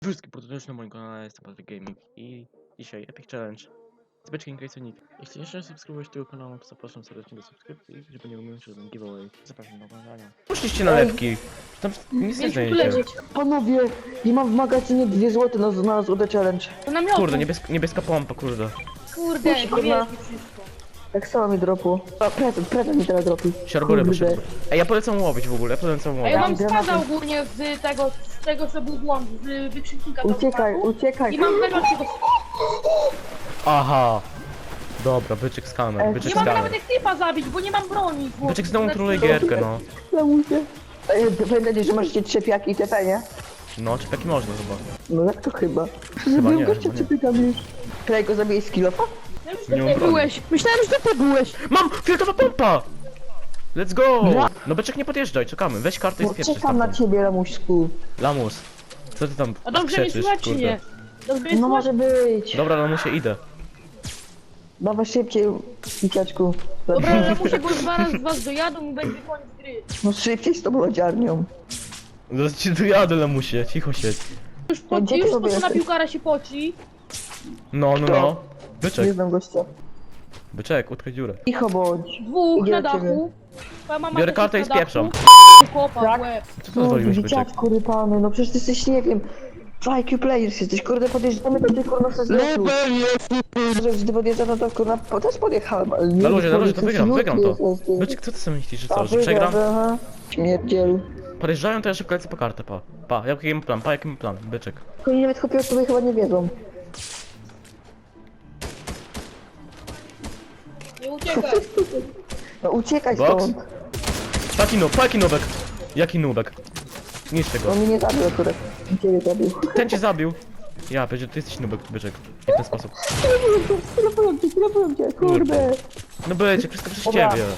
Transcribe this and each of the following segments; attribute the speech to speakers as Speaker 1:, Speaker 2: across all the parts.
Speaker 1: Wszystkim pozdrowienia na moim kanale, jestem Patryk Gaming i dzisiaj Epic Challenge z Beczkiem Graysonik. Jeśli jeszcze nie subskrybujesz tego kanału, to zapraszam serdecznie do subskrypcji, żeby nie ominąć żaden giveaway. Zapraszam do oglądania. Puśćcie nalepki, tam nic nie znajdziecie.
Speaker 2: Panowie, nie mam w magazynie 2 złote na złote challenge.
Speaker 3: To namiotu.
Speaker 1: Kurde, niebieska pompa, kurde.
Speaker 3: Kurde,
Speaker 2: Kurwa.
Speaker 3: nie wiesz mi wszystko.
Speaker 2: Tak samo mi dropu. A, prezent mi teraz dropi.
Speaker 1: Siorbury
Speaker 2: Kurde.
Speaker 1: poszedł. Ej, ja polecam łowić w ogóle, ja polecam
Speaker 3: A
Speaker 1: łowić.
Speaker 3: ja mam
Speaker 2: Granaty.
Speaker 3: spada ogólnie z tego co był błąd, z wykrzyknika do
Speaker 2: Uciekaj,
Speaker 3: smaku.
Speaker 2: uciekaj.
Speaker 3: I mam najlepszego.
Speaker 1: Aha. Dobra, byczek skamer, byczek
Speaker 3: Nie mam
Speaker 1: skamer.
Speaker 3: nawet jak typa zabić, bo nie mam broni.
Speaker 1: Byczek znowu troluje gierkę, no.
Speaker 2: Lamusie. Pamiętajcie, że możecie trzepiaki i TP, nie?
Speaker 1: No, czy taki można chyba.
Speaker 2: No jak to chyba?
Speaker 1: nie,
Speaker 2: Zabiłem gościa
Speaker 1: chyba nie.
Speaker 2: trzepiakami. Klej go zabije z kilofa?
Speaker 3: Ja już
Speaker 1: Nie mam
Speaker 3: tutaj
Speaker 1: broni.
Speaker 3: byłeś. Myślałem, że ty byłeś.
Speaker 1: Mam! Fioletowa pompa! Let's go! No byczek nie podjeżdżaj, czekamy. Weź kartę i
Speaker 2: No
Speaker 1: spieprzysz
Speaker 2: czekam na
Speaker 1: tamtą.
Speaker 2: ciebie, lamuśku.
Speaker 1: Lamus, co ty tam
Speaker 3: A dobrze mnie
Speaker 1: krzyczysz,
Speaker 3: słychać czy
Speaker 1: kurde?
Speaker 3: nie? Dobrze mnie
Speaker 2: No
Speaker 3: słychać?
Speaker 2: może być.
Speaker 1: Dobra, Lamusie, idę.
Speaker 2: Dawaj szybciej, dzieciaczku.
Speaker 3: Dobra, ale muszę, bo już zaraz z was dojadą i będzie koniec gry.
Speaker 2: No szybciej z tą lodziarnią.
Speaker 1: Zaraz ci tu jadę, Lamusie, cicho siedź.
Speaker 2: Gdzie ty
Speaker 3: Już
Speaker 2: sobie
Speaker 3: po co na
Speaker 2: jesteś?
Speaker 3: piłkara się poci.
Speaker 1: No.
Speaker 2: Nie
Speaker 1: Byczek,
Speaker 2: znam gościa.
Speaker 1: byczek, utkaj dziurę.
Speaker 2: Cicho bądź.
Speaker 3: Dwóch
Speaker 2: Idzie
Speaker 3: na
Speaker 2: do ciebie.
Speaker 3: dachu. Twoja mama
Speaker 1: Biorę
Speaker 3: też
Speaker 1: kartę
Speaker 3: jest
Speaker 1: i
Speaker 3: na dachu.
Speaker 1: spieprzam.
Speaker 3: Kopa
Speaker 2: Tak?
Speaker 3: w łeb.
Speaker 1: Co to zwoliłeś, byczek?
Speaker 2: Dzieciaczku rypany, no przecież ty jesteś, nie wiem, IQ players jesteś, kurde, podjeżdżamy do tej kurna z lesu. Że gdy podjeżdżam, no to kurna, też podjechałem, ale nie...
Speaker 1: Na luzie, to wygram to.
Speaker 2: Jest.
Speaker 1: Byczek, co ty sobie myślisz, że
Speaker 2: A,
Speaker 1: co, że przegram?
Speaker 2: aha. Śmierdzielu.
Speaker 1: Podjeżdżają, to ja szybko lecę po kartę, pa. Jaki mam plan, jaki mam plan, byczek.
Speaker 2: Oni nawet chłopie sobie chyba nie wiedzą.
Speaker 3: Nie uciekaj.
Speaker 2: No uciekaj
Speaker 1: Box?
Speaker 2: stąd.
Speaker 1: Paki nubek. Jaki nubek? Niszczę go.
Speaker 2: On mnie nie zabił akurat. Ciebie zabił.
Speaker 1: Ten cię zabił. Ja, będzie, ty jesteś nubek, byczek. I w ten sposób.
Speaker 2: Telefonuję cię, kurde.
Speaker 1: No byczek, wszystko przez
Speaker 2: Dobra.
Speaker 1: ciebie.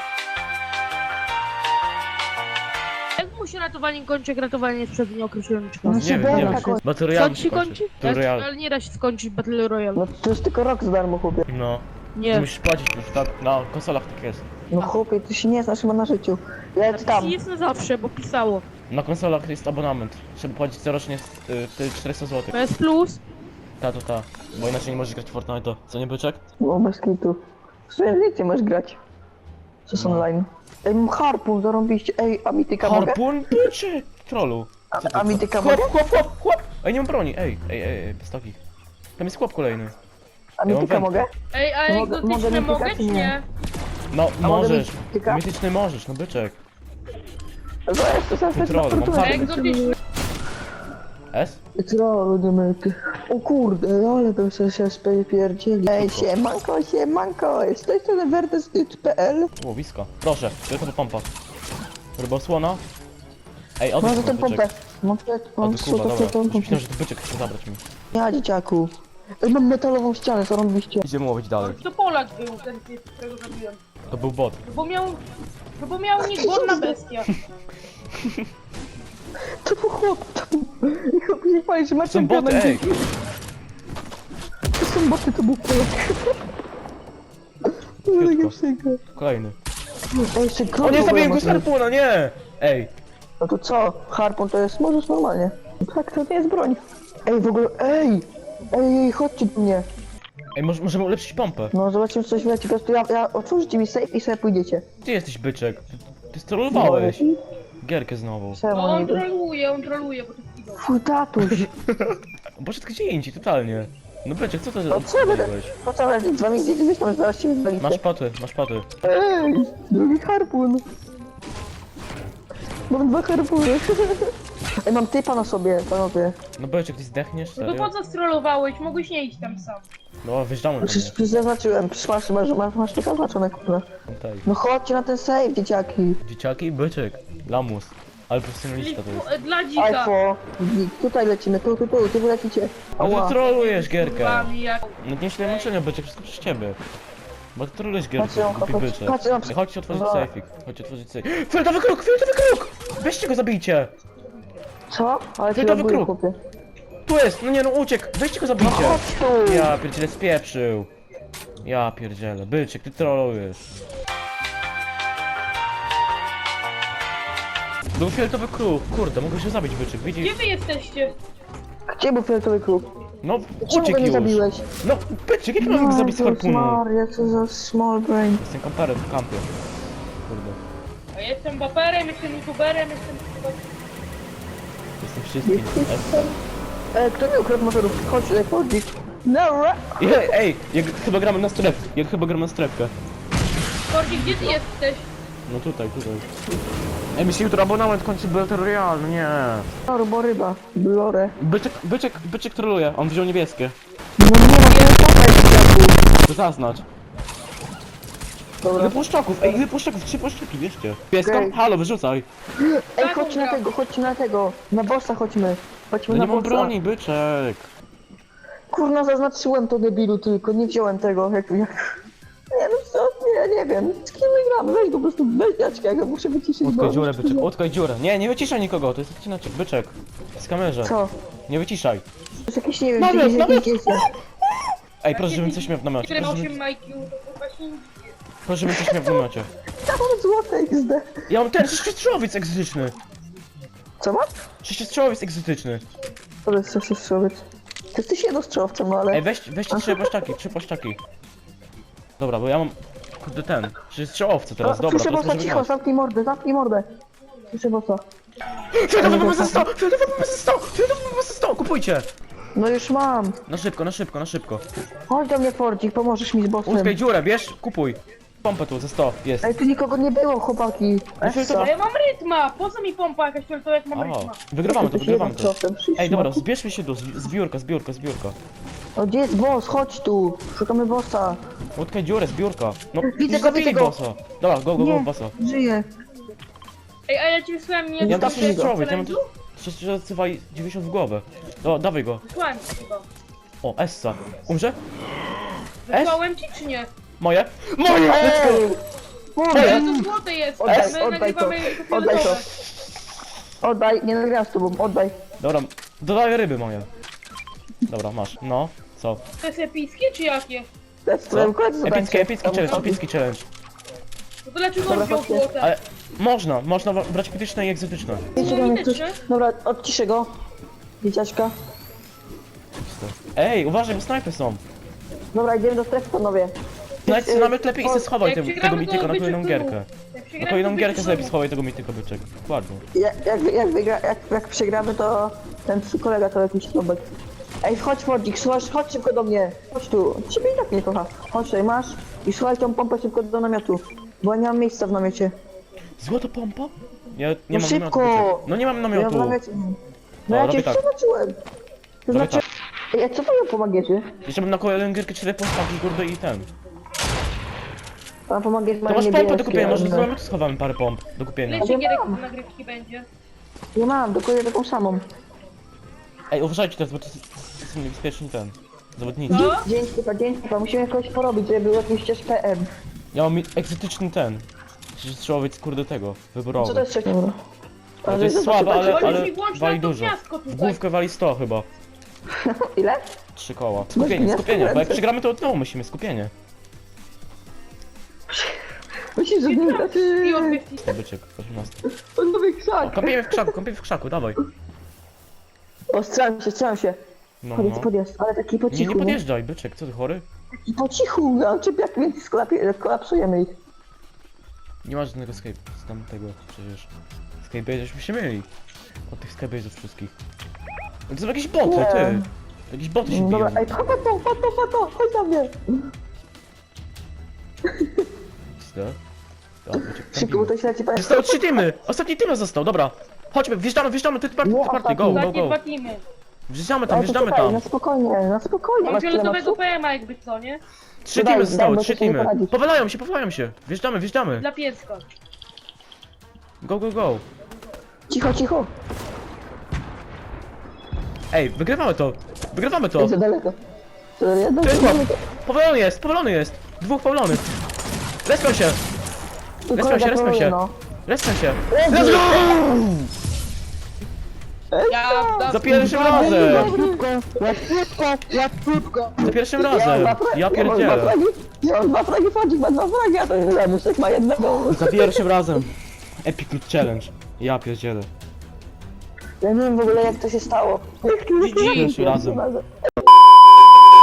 Speaker 3: Jak mu się ratowanie kończy, jak ratowanie jest przed nieokreślonym
Speaker 2: No
Speaker 3: czasem?
Speaker 1: Nie
Speaker 2: się
Speaker 1: wiem,
Speaker 2: beka kończy.
Speaker 1: Battle
Speaker 3: Co
Speaker 1: Royale
Speaker 3: ci się kończy?
Speaker 1: Battle Royale.
Speaker 3: Ale nie da się skończyć Battle Royale.
Speaker 2: No to jest tylko rok za darmo, chłopie.
Speaker 1: No. Ty
Speaker 3: Nie.
Speaker 1: musisz płacić już, tak? Na konsolach tak jest.
Speaker 2: No chłopie, ty się nie znasz chyba na życiu. Lec tam.
Speaker 3: Jest na zawsze, bo pisało.
Speaker 1: Na konsolach jest abonament. Trzeba płacić corocznie 400 zł.
Speaker 3: PS Plus.
Speaker 1: Ta. Bo inaczej nie możesz grać w Fortnite'a. Co nie, byczek?
Speaker 2: No bez kitu. W sumie więcej możesz grać. Co jest
Speaker 1: No.
Speaker 2: online. Ej, mam harpun, zarąbiście. Ej, a mityka mogę?
Speaker 1: Harpun, byczek! Trollu. Co ty,
Speaker 2: A mityka
Speaker 1: Chłop,
Speaker 2: mogę?
Speaker 1: chłop! Ej, nie mam broni, ej, pistoki. Tam jest chłop kolejny.
Speaker 2: A
Speaker 1: mam
Speaker 2: mityka
Speaker 1: wędkę.
Speaker 2: mogę?
Speaker 3: Ej, a
Speaker 2: Mogę-
Speaker 3: egzotyczne
Speaker 2: mogę
Speaker 3: mogę
Speaker 2: mitykać,
Speaker 3: czy
Speaker 2: nie?
Speaker 3: nie?
Speaker 1: No,
Speaker 2: A mogę
Speaker 1: możesz.
Speaker 2: mityka?
Speaker 1: Mityczny możesz, no byczek.
Speaker 2: To jest, to jest
Speaker 1: Troll, mam
Speaker 3: A
Speaker 1: harpun.
Speaker 3: egzotyczne.
Speaker 1: S?
Speaker 2: Troll, nie myty. O kurde, ale bym sobie się spierdzieli. Ej, siemanko, jest z tej strony werdestyt.pl.
Speaker 1: Łowisko. Proszę, tylko to pompa. Rybosłona. Ej, odejdź
Speaker 2: Mam za
Speaker 1: mi,
Speaker 2: tą
Speaker 1: byczek.
Speaker 2: pompę. Mam
Speaker 1: O ty kurwa, dobra.
Speaker 2: pompę.
Speaker 1: Myślałem, że to byczek chce zabrać mi.
Speaker 2: Ja, dzieciaku. Ej, mam metalową ścianę, zarąbiście.
Speaker 1: Idziemy łowić dalej.
Speaker 3: To Polak był ten, którego zabiłem.
Speaker 1: To był bot.
Speaker 3: No bo miał niezborna bestia.
Speaker 2: To był chłop, to był... Chłop nie fajnie, że macie
Speaker 1: Są boty, ej!
Speaker 2: To są boty, to był Polak. To
Speaker 1: Krótko.
Speaker 2: takie przykre.
Speaker 1: Kolejny.
Speaker 2: Ej, jeszcze
Speaker 1: O
Speaker 2: krótko
Speaker 1: nie, zabiję
Speaker 2: było
Speaker 1: go z
Speaker 2: można-
Speaker 1: harpuna, nie! Ej,
Speaker 2: No to co? Harpun to jest, możesz normalnie. Tak, to nie jest broń. Ej, w ogóle, ej, chodźcie do mnie.
Speaker 1: możemy ulepszyć pompę.
Speaker 2: No, zobaczymy, co coś wleci. Po prostu ja otworzycie mi safe i sobie pójdziecie.
Speaker 1: Gdzie jesteś, byczek? Ty strollowałeś. Gierkę znowu.
Speaker 3: No
Speaker 2: Czemu
Speaker 3: on
Speaker 2: nie?
Speaker 3: troluje, bo to chwilę.
Speaker 2: Twój tatuś.
Speaker 1: Poszedł gdzie indziej, totalnie. No byczek, co to
Speaker 2: No co będę?
Speaker 1: odpaliłeś?
Speaker 2: Po co ale z wami gdzieś wyślą, zaraz się wywalicie.
Speaker 1: Masz paty.
Speaker 2: Ej, drugi harpun. Mam 2 harpuny. Ej, mam typa na sobie, panowie.
Speaker 1: No byczek, ty zdechniesz,
Speaker 3: No to
Speaker 1: serio?
Speaker 3: po co strollowałeś? Mogłeś nie iść tam sam.
Speaker 1: No, wjeżdżamy do
Speaker 2: Przecież
Speaker 1: mnie.
Speaker 2: zaznaczyłem, masz tylko zaznaczone, kurwa.
Speaker 1: Tutaj.
Speaker 2: No chodźcie na ten save, dzieciaki.
Speaker 1: Dzieciaki, byczek. Lamus. Ale profesjonalista to jest.
Speaker 3: Dla dzika.
Speaker 2: Alfo, tutaj lecimy, tu wy lecicie.
Speaker 1: No ty
Speaker 2: Ała.
Speaker 1: trolujesz gierkę.
Speaker 3: Wami jak...
Speaker 1: No nie źle męczenia, byczek, wszystko przez ciebie. Bo ty trolujesz gierkę,
Speaker 2: Patrzę,
Speaker 1: głupi
Speaker 2: patrzę,
Speaker 1: byczek.
Speaker 2: patrzę,
Speaker 1: Chodźcie otworzyć
Speaker 2: Dobra.
Speaker 1: sejfik. Chodźcie otworzyć sejfik. Fioletowy kruk! Fioletowy kruk! Weźcie go, zabijcie!
Speaker 2: Co? Ale ty
Speaker 1: Fioletowy
Speaker 2: robisz,
Speaker 1: kruk.
Speaker 2: chłopie.
Speaker 1: Tu jest! No nie no, uciekł! Weźcie go, zabijcie!
Speaker 2: Chodź tu.
Speaker 1: Ja pierdzielę, spieprzył. Ja pierdzielę, byczek, ty trolujesz. Był fioletowy kruk, kurde, mogę się zabić, byczek, widzisz?
Speaker 3: Gdzie wy jesteście?
Speaker 2: Gdzie był fioletowy kruk?
Speaker 1: No,
Speaker 2: Czemu go
Speaker 1: uciekł
Speaker 2: nie
Speaker 1: już.
Speaker 2: zabiłeś?
Speaker 1: No, byczek, jak mam go zabić z harpunu?
Speaker 2: Maria, co za small brain.
Speaker 1: Jestem kamperem w kampie. Kurde.
Speaker 3: A jestem baperem, jestem youtuberem, jestem...
Speaker 1: Jestem wszystkim.
Speaker 2: Kto mi ukradł motorów? Chodź, chodź. No,
Speaker 1: Ej, jak chyba gramy na strefkę. Jak chyba gramy na strefkę.
Speaker 3: Korki, gdzie ty jesteś?
Speaker 1: No tutaj. Ej, mi się jutro abonament kończy Battle Royale, no nie.
Speaker 2: Bo ryba. Blore.
Speaker 1: Byczek troluje, on wziął niebieskie.
Speaker 2: No nie, no to jest
Speaker 1: To zaznacz.
Speaker 2: Dobra.
Speaker 1: Wypuszczaków, 3 puszczaki, wierzcie. Pieska?
Speaker 2: Okej.
Speaker 1: Halo, wyrzucaj.
Speaker 2: Ej, chodźcie na tego. Na bossa chodźmy. Chodźmy
Speaker 1: No
Speaker 2: na
Speaker 1: nie mam
Speaker 2: bossa.
Speaker 1: broni, byczek.
Speaker 2: Kurna, zaznaczyłem to debilu tylko, nie wziąłem tego, jak... Nie no co, nie wiem, z kim my gramy, weź go po prostu, weź Jaćka, ja go muszę wyciszyć,
Speaker 1: Utkaj dziurę, byczek, utkaj dziurę. Nie wyciszaj nikogo, to jest odcinaczek, byczek. Z kamerze.
Speaker 2: Co?
Speaker 1: Nie wyciszaj.
Speaker 2: To jest jakieś, nie wiem,
Speaker 1: Dobra,
Speaker 2: jakieś
Speaker 1: dobra.
Speaker 2: jakieś...
Speaker 1: Ej, proszę, żebym coś miał w namiocie.
Speaker 3: Który ma
Speaker 1: Proszę,
Speaker 3: 8 IQ, to kurwa się nic nie...
Speaker 1: proszę, żebym coś miał w namiocie.
Speaker 2: Ja mam złote XD.
Speaker 1: Ja mam ten sześciostrzałowiec egzotyczny.
Speaker 2: Co masz?
Speaker 1: Sześciostrzałowiec egzotyczny.
Speaker 2: To jest coś strzelec. Ty jesteś jednostrzałowcem, no ale...
Speaker 1: Ej, weźcie 3 płaszczaki. Dobra, bo ja mam... Kurde ten, strzałowce teraz, dobra,
Speaker 2: Słyszę
Speaker 1: to
Speaker 2: bossa,
Speaker 1: możemy
Speaker 2: cicho,
Speaker 1: grać.
Speaker 2: zamknij mordę. Słyszę bossa.
Speaker 1: Fioletowy bomba ze 100! Fioletowy bomba ze 100! Kupujcie!
Speaker 2: No już mam.
Speaker 1: Na szybko.
Speaker 2: Chodź do mnie, Fordzik, pomożesz mi z bossem.
Speaker 1: Utkaj dziurę, bierz, kupuj. Pompę tu, ze 100, jest.
Speaker 2: Ej, tu nikogo nie było, chłopaki. Essa.
Speaker 3: A ja mam rytma! Po co mi pompa jakaś fioletowa, jak mam
Speaker 1: O,
Speaker 3: rytma?
Speaker 1: wygrywamy to.
Speaker 2: Jednostrzałowcem,
Speaker 1: Ej, dobra, zbierzmy się tu, zbiórka.
Speaker 2: O, gdzie jest boss? Chodź tu. Szukamy bossa.
Speaker 1: Utkaj dziurę, zbiórka. No,
Speaker 2: Widzę
Speaker 1: już
Speaker 2: go,
Speaker 1: zabili
Speaker 2: widzę go.
Speaker 1: bossa. Dobra, go,
Speaker 2: Nie,
Speaker 1: bossa.
Speaker 2: żyje.
Speaker 3: Ej, a ja ci wysłałem nie...
Speaker 1: Ja mam
Speaker 2: Zostaw
Speaker 1: też
Speaker 2: mi go.
Speaker 1: sześciostrzałowiec, ja mam strzałowca 90 w głowę. No, dawaj go.
Speaker 3: Wysłałem ci chyba.
Speaker 1: O, Essa. Umrze?
Speaker 3: Wysłałem ci czy nie?
Speaker 1: Moje? Moje!
Speaker 2: Ej!
Speaker 3: Ale
Speaker 2: Kurde!
Speaker 3: to złote jest!
Speaker 2: Oddaj,
Speaker 3: My
Speaker 2: oddaj to.
Speaker 3: nagrywamy jako
Speaker 2: Oddaj to.
Speaker 3: fioletowe.
Speaker 2: Oddaj, nie nagrałem z tobą, oddaj.
Speaker 1: Dobra, dodaję ryby moje. Dobra, masz. No, co?
Speaker 3: To jest epickie czy jakie?
Speaker 2: To jest
Speaker 1: Co?
Speaker 2: twoje koledzy,
Speaker 1: Epicki challenge.
Speaker 3: No to dlaczego
Speaker 2: Dobra,
Speaker 3: on wziął
Speaker 2: chodźcie.
Speaker 3: złote?
Speaker 1: Ale można brać krytyczne i egzotyczne.
Speaker 2: Dobra, odciszę go. Dzieciaczka.
Speaker 1: Ej, uważaj, bo snajpy są.
Speaker 2: Nawet idziemy do strefy, panowie.
Speaker 1: Znajdź nawet lepiej i se schowaj
Speaker 3: Jak
Speaker 1: tego
Speaker 3: przegramy, to
Speaker 1: mityka na
Speaker 3: byczek
Speaker 1: kolejną
Speaker 3: tu.
Speaker 1: gierkę.
Speaker 3: Jak
Speaker 1: Na
Speaker 3: przegramy,
Speaker 1: kolejną
Speaker 3: to
Speaker 1: gierkę
Speaker 3: byczek
Speaker 1: sobie
Speaker 3: tu.
Speaker 1: schowaj tego mityka byczek. Dokładnie.
Speaker 2: Jak przegramy, to ten przy kolega to jakiś snobek. Ej, chodź Fordzik, chodź szybko do mnie. Chodź tu. Ciebie i tak nie kocha. Chodź tutaj, masz. I słuchaj tą pompę szybko do namiotu. Bo ja nie mam miejsca w namiocie.
Speaker 1: Złota pompa? Ja nie
Speaker 2: No
Speaker 1: mam
Speaker 2: szybko!
Speaker 1: namiotu, byczek. No nie mam
Speaker 2: Ja w
Speaker 1: namiotu.
Speaker 2: namiocie. No
Speaker 1: O,
Speaker 2: ja cię
Speaker 1: robię tak.
Speaker 2: przeznaczyłem.
Speaker 1: Robię tak.
Speaker 2: Ej, a co wy ją pomagacie?
Speaker 1: Jeszcze bym na kolejną gierkę 4 postawki, kurde i ten.
Speaker 2: Pan pomagacie
Speaker 1: To masz pompę do kupienia, może z
Speaker 2: ale-
Speaker 1: namiotu schowamy parę pomp do kupienia.
Speaker 3: Ile ci gierek
Speaker 2: mam.
Speaker 3: do nagrywki będzie?
Speaker 2: Ja mam, dokładnie taką samą.
Speaker 1: Ej, uważajcie teraz, bo to są niebezpieczni ten. Zawodnicy.
Speaker 3: Co?
Speaker 2: Dzięki, pan. Musimy jakoś porobić, żeby był jakiś ścież PM.
Speaker 1: Ja mam egzotyczny ten. Strzałowiec kurde tego,
Speaker 2: Co
Speaker 1: wyborowy.
Speaker 2: to jest trzeci? Dobra.
Speaker 1: Ale to jest słabe, ale
Speaker 3: Włącz mi, włącz
Speaker 1: wali
Speaker 3: nam to
Speaker 1: dużo.
Speaker 3: gniazdko
Speaker 1: W
Speaker 3: tutaj.
Speaker 1: główkę wali 100 chyba.
Speaker 2: Ile?
Speaker 1: 3 koła.
Speaker 2: gniazdko
Speaker 1: Skupienie, bo jak
Speaker 2: ręce.
Speaker 1: przegramy to od nowa musimy, skupienie.
Speaker 2: Myślisz, że nie
Speaker 3: I
Speaker 2: znaczy...
Speaker 3: obiektyw.
Speaker 1: To byczek, 18.
Speaker 2: On nowy krzak.
Speaker 1: Kąpiemy w krzaku, dawaj.
Speaker 2: O, strzelam się.
Speaker 1: No,
Speaker 2: Podjedź,
Speaker 1: no.
Speaker 2: podjedź, ale taki po
Speaker 1: Nie,
Speaker 2: cichu.
Speaker 1: nie podjeżdżaj, byczek, co ty chory?
Speaker 2: Taki po cichu, no, czepiak, więc kolapsujemy ich.
Speaker 1: Nie ma żadnego Skype z tamtego przecież. Skype'y się myli. Od tych Skype'ów wszystkich. No to są jakieś boty,
Speaker 2: Nie.
Speaker 1: ty. Jakieś boty się biją.
Speaker 2: Dobra, ej, pato, chodź na mnie.
Speaker 1: Co? Ja, byczek, tam
Speaker 2: Szybko, bo
Speaker 1: biją.
Speaker 2: to się leci, panie.
Speaker 1: Zostały 3 teamy! Ostatni team został, dobra. Chodźmy, wjeżdżamy, ty party, go, go,
Speaker 3: Ostatnie
Speaker 1: go.
Speaker 3: 2 teamy.
Speaker 1: Wjeżdżamy
Speaker 2: Ale to
Speaker 1: wjeżdżamy
Speaker 2: czekaj,
Speaker 1: tam.
Speaker 2: na spokojnie.
Speaker 3: Mam
Speaker 2: Masz tyle
Speaker 3: fioletowego
Speaker 2: mapsów?
Speaker 3: PM-a jakby co, nie?
Speaker 1: 3
Speaker 2: Daj,
Speaker 1: teamy zostały,
Speaker 2: bo
Speaker 1: 3
Speaker 2: to się nie
Speaker 1: teamy.
Speaker 2: poradzi.
Speaker 1: Powalają się. Wjeżdżamy.
Speaker 3: Dla pieska.
Speaker 1: Go.
Speaker 2: Cicho.
Speaker 1: Ej, wygrywamy to.
Speaker 2: Jest za daleko. To jedno,
Speaker 1: To jest chłop. Powalony jest. 2 powalonych. Respią się. Respią się.
Speaker 2: No.
Speaker 1: Let's go!
Speaker 3: Ja
Speaker 1: Za pierwszym razem! Za pierwszym razem! Ja pierdzielę!
Speaker 2: Ja mam 2 fragi, Fordzik ma 2 fragi, a ten Zamuszek ma jednego.
Speaker 1: Za pierwszym razem! Epic Loot Challenge! Ja pierdzielę!
Speaker 2: Ja nie wiem w ogóle jak to się stało.
Speaker 1: GG. Razem.